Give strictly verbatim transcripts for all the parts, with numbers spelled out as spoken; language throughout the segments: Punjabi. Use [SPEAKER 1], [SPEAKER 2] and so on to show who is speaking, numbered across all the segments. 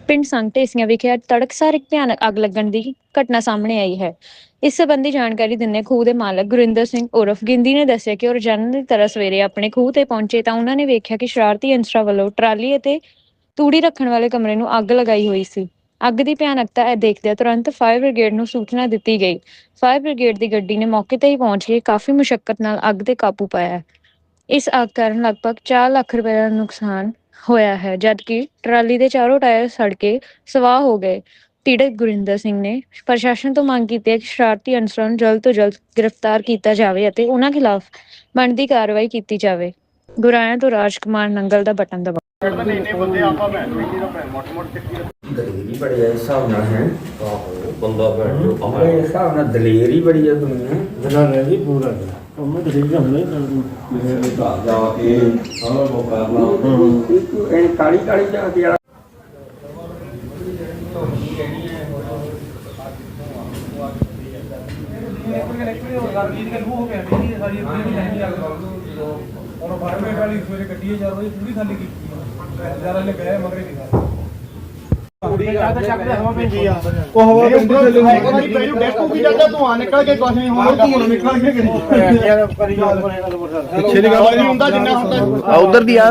[SPEAKER 1] ਪਿੰਡ ਸੰਘ ਢੇਸੀਆਂ ਵਿਖੇ ਅੱਜ ਤੜਕਸਾਰ ਇੱਕ ਭਿਆਨਕ ਅੱਗ ਲੱਗਣ ਦੀ ਘਟਨਾ ਸਾਹਮਣੇ ਆਈ ਹੈ। ਇਸ ਸੰਬੰਧੀ ਜਾਣਕਾਰੀ ਦਿੰਦੇ ਖੂਹ ਦੇ ਮਾਲਕ ਗੁਰਿੰਦਰ ਸਿੰਘ ਉਰਫ ਗਿੰਦੀ ਨੇ ਦੱਸਿਆ ਕਿ ਉਹ ਰੋਜ਼ਾਨਾ ਦੀ ਤਰ੍ਹਾਂ ਸਵੇਰੇ ਆਪਣੇ ਖੂਹ ਤੇ ਪਹੁੰਚੇ ਤਾਂ ਉਹਨਾਂ ਨੇ ਵੇਖਿਆ ਕਿ ਸ਼ਰਾਰਤੀ ਅਨਸਰਾਂ ਵੱਲੋਂ ਟਰਾਲੀ ਅਤੇ ਤੂੜੀ ਰੱਖਣ ਵਾਲੇ ਕਮਰੇ ਨੂੰ ਅੱਗ ਲਗਾਈ ਹੋਈ ਸੀ। ਅੱਗ ਦੀ ਭਿਆਨਕਤਾ ਇਹ ਦੇਖਦਿਆਂ ਤੁਰੰਤ ਫਾਇਰ ਬ੍ਰਿਗੇਡ ਨੂੰ ਸੂਚਨਾ ਦਿੱਤੀ ਗਈ। ਫਾਇਰ ਬ੍ਰਿਗੇਡ ਦੀ ਗੱਡੀ ਨੇ ਮੌਕੇ ਤੇ ਹੀ ਪਹੁੰਚ ਕੇ ਕਾਫੀ ਮੁਸ਼ੱਕਤ ਨਾਲ ਅੱਗ ਤੇ ਕਾਬੂ ਪਾਇਆ। ਇਸ ਅੱਗ ਕਾਰਨ ਲਗਭਗ ਚਾਰ ਲੱਖ ਰੁਪਏ ਦਾ ਨੁਕਸਾਨ ਹੋਇਆ ਹੈ, ਜਦਕਿ ਟਰਾਲੀ ਦੇ ਚਾਰੋਂ ਟਾਇਰ ਸੜ ਕੇ ਸਵਾਹ ਹੋ ਗਏ। ਪੀੜਤ ਗੁਰਿੰਦਰ ਸਿੰਘ ਨੇ ਪ੍ਰਸ਼ਾਸਨ ਤੋਂ ਮੰਗ ਕੀਤੀ ਹੈ ਕਿ ਸ਼ਰਾਰਤੀ ਅਨਸਰਾਂ ਨੂੰ ਜਲਦ ਤੋਂ ਜਲਦ ਗ੍ਰਿਫਤਾਰ ਕੀਤਾ ਜਾਵੇ ਅਤੇ ਉਹਨਾਂ ਖਿਲਾਫ ਬਣਦੀ ਕਾਰਵਾਈ ਕੀਤੀ ਜਾਵੇ। ਗੁਰਾਇਆ ਤੋਂ ਰਾਜ ਕੁਮਾਰ ਨੰਗਲ ਦਾ ਬਟਨ ਦਬਾਓ।
[SPEAKER 2] ਦਲੇਰੀ ਬੜੀ ਹੈ ਹਿਸਾਬ ਨਾਲ ਹੈ ਬੰਦਾ ਬੈਠ ਜੋ ਆਪਣੇ ਹਿਸਾਬ ਨਾਲ ਦਲੇਰੀ ਬੜੀ ਹੈ ਦੁਨੀਆ ਜਨਾਨੇ ਦੀ ਪੂਰਾ ਉਹ ਦਲੇਰੀ ਹੁੰਦੀ ਮੇਰੇ ਘਰ ਜਾ ਕੇ ਸਾਰਾ ਲੋਕ ਕਰਨਾ ਇੱਕ ਇਹ ਕਾਲੀ ਕਾਲੀ ਜਾ ਕੇ
[SPEAKER 3] और फार्मेट वाली सवेरे कट्टी जा रही पूरी खाली की जरा ले गए मगर नहीं खा पूरी ज्यादा ਚੱਕ ਦੇ ਹਵਾ ਪੈਂਦੀ ਆ ਉਹ ਹਵਾ ਪੈਂਦੀ ਥੱਲੇ ਨਹੀਂ ਪਹਿਲੂ ਡੈਸਕ ਉੱਕੀ ਜਾਂਦਾ ਧੂਆਂ ਨਿਕਲ ਕੇ ਕੁਝ ਨਹੀਂ ਹੋਣਾ ਧੂਆਂ ਨਿਕਲ ਕੇ ਕਰੀ ਯਾਰ ਕਰੀ ਗੱਲ ਪਿੱਛੇ ਦੀ ਗੱਲ ਨਹੀਂ ਹੁੰਦਾ ਜਿੰਨਾ ਹੁੰਦਾ
[SPEAKER 2] ਆ ਉਧਰ ਦੀ ਆ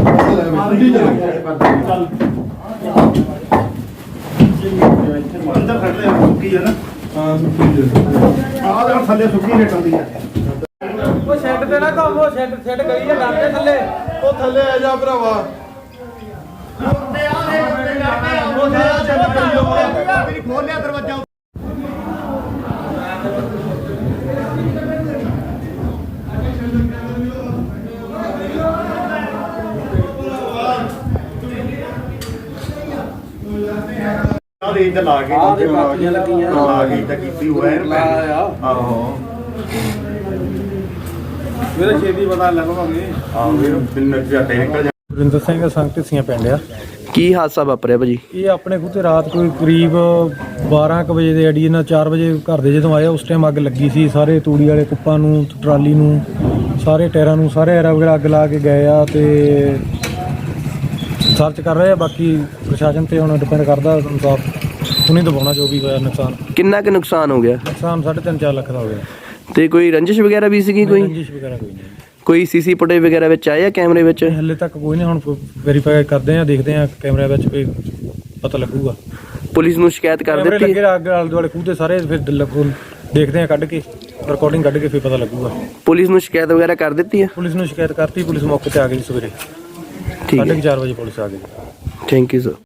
[SPEAKER 3] ਅੰਦਰ ਖੜਦੇ ਆ ਸੁੱਕੀ ਹੈ ਨਾ ਹਾਂ ਸੁੱਕੀ ਆਹ ਦੇ ਥੱਲੇ ਸੁੱਕੀ ਰੇਟਾਂ ਦੀ ਆ ਉਹ ਸ਼ੈੱਡ ਤੇ ਨਾ ਕੰਮ ਉਹ ਸ਼ੈੱਡ ਸ਼ੈੱਡ ਗਈ ਹੈ ਡਰਦੇ ਥੱਲੇ ਉਹ ਥੱਲੇ ਆ ਜਾ ਭਰਾਵਾ ਉੱਤੇ ਆ ਦੇ ਉੱਤੇ ਡਰਦੇ ਆ ਉਹ ਥੱਲੇ ਮੇਰੀ ਖੋਲ ਲਿਆ ਦਰਵਾਜ਼ਾ ਆਹ ਇੱਧਰ ਲਾ ਕੇ ਆਹ ਦੇ ਬਾਕੀਆਂ ਲੱਗੀਆਂ ਲਾ ਕੇ ਇੱਧਰ ਕੀਤੀ ਹੋਇਆ ਹੈ ਆਹੋ ਮੇਰੇ ਛੇਤੀ ਪਤਾ ਲੱਗਵਾਂਗੇ ਆਹ ਵੀਰ ਬਿੰਨ ਝਾਟੇ ਨਿਕਲ ਜਾ। ਗੁਰਿੰਦਰ ਸਿੰਘ ਸੰਘ ਢੇਸੀਆਂ ਪਿੰਡ ਆ।
[SPEAKER 2] ਕੀ ਹਾਦਸਾ ਵਾਪਰਿਆ ਭਾਜੀ?
[SPEAKER 3] ਇਹ ਆਪਣੇ ਖੂਹ ਤੇ ਰਾਤ ਕੋਈ ਕਰੀਬ ਬਾਰਾਂ ਕੁ ਵਜੇ ਦੇ ਅੜੀ ਇਹਨਾਂ ਚਾਰ ਵਜੇ ਘਰ ਦੇ ਜਦੋਂ ਆਏ ਉਸ ਟਾਈਮ ਅੱਗ ਲੱਗੀ ਸੀ। ਸਾਰੇ ਤੂੜੀ ਵਾਲੇ ਕੁੱਪਾਂ ਨੂੰ ਟਰਾਲੀ ਨੂੰ ਸਾਰੇ ਟਾਇਰਾਂ ਨੂੰ ਸਾਰੇ ਐਰਾ ਵਗੈਰਾ ਅੱਗ ਲਾ ਕੇ ਗਏ ਆ ਤੇ ਸਰਚ ਕਰ ਰਹੇ ਆ। ਬਾਕੀ ਪ੍ਰਸ਼ਾਸਨ ਤੇ ਹੁਣ ਡਿਪੈਂਡ ਕਰਦਾ ਇਨਸਾਫ ਉਹਨੇ ਦਬਾਉਣਾ ਜੋ ਵੀ ਹੋਇਆ ਨੁਕਸਾਨ।
[SPEAKER 2] ਕਿੰਨਾ ਕੁ ਨੁਕਸਾਨ ਹੋ ਗਿਆ?
[SPEAKER 3] ਨੁਕਸਾਨ ਸਾਢੇ ਤਿੰਨ ਚਾਰ ਲੱਖ ਦਾ ਹੋ ਗਿਆ।
[SPEAKER 2] ਤੇ ਕੋਈ ਰੰਜਿਸ਼ ਵਗੈਰਾ ਵੀ ਸੀਗੀ? ਕੋਈ
[SPEAKER 3] ਰੰਜਿਸ਼ ਵਗੈਰਾ ਕੋਈ ਨਹੀਂ।
[SPEAKER 2] ਕੋਈ ਸੀਸੀ ਫੁਟੇਜ ਵਗੈਰਾ ਵਿੱਚ ਆਇਆ ਕੈਮਰੇ ਵਿੱਚ?
[SPEAKER 3] ਹਲੇ ਤੱਕ ਕੋਈ ਨਹੀਂ, ਹੁਣ ਵੈਰੀਫਾਈ ਕਰਦੇ ਆ ਦੇਖਦੇ ਆ ਕੈਮਰੇ ਵਿੱਚ ਕੋਈ ਪਤਾ ਲੱਗੂਗਾ।
[SPEAKER 2] ਪੁਲਿਸ ਨੂੰ ਸ਼ਿਕਾਇਤ ਕਰ ਦਿੱਤੀ?
[SPEAKER 3] ਲੱਗੇ ਅੱਗ ਆਲੇ ਦੁਆਲੇ ਖੂਹ ਦੇ ਸਾਰੇ ਫਿਰ ਲੱਗੂ ਦੇਖਦੇ ਆ ਕੱਢ ਕੇ ਰਿਕਾਰਡਿੰਗ ਕੱਢ ਕੇ ਫਿਰ ਪਤਾ ਲੱਗੂਗਾ।
[SPEAKER 2] ਪੁਲਿਸ ਨੂੰ ਸ਼ਿਕਾਇਤ ਵਗੈਰਾ ਕਰ ਦਿੱਤੀ ਹੈ?
[SPEAKER 3] ਪੁਲਿਸ ਨੂੰ ਸ਼ਿਕਾਇਤ ਕਰਤੀ, ਪੁਲਿਸ ਮੌਕੇ ਤੇ ਆ ਗਈ ਸਵੇਰੇ
[SPEAKER 2] ਠੀਕ ਹੈ।
[SPEAKER 3] ਸਾਢੇ ਚਾਰ ਵਜੇ ਪੁਲਿਸ ਆ ਗਈ।
[SPEAKER 2] Thank you sir.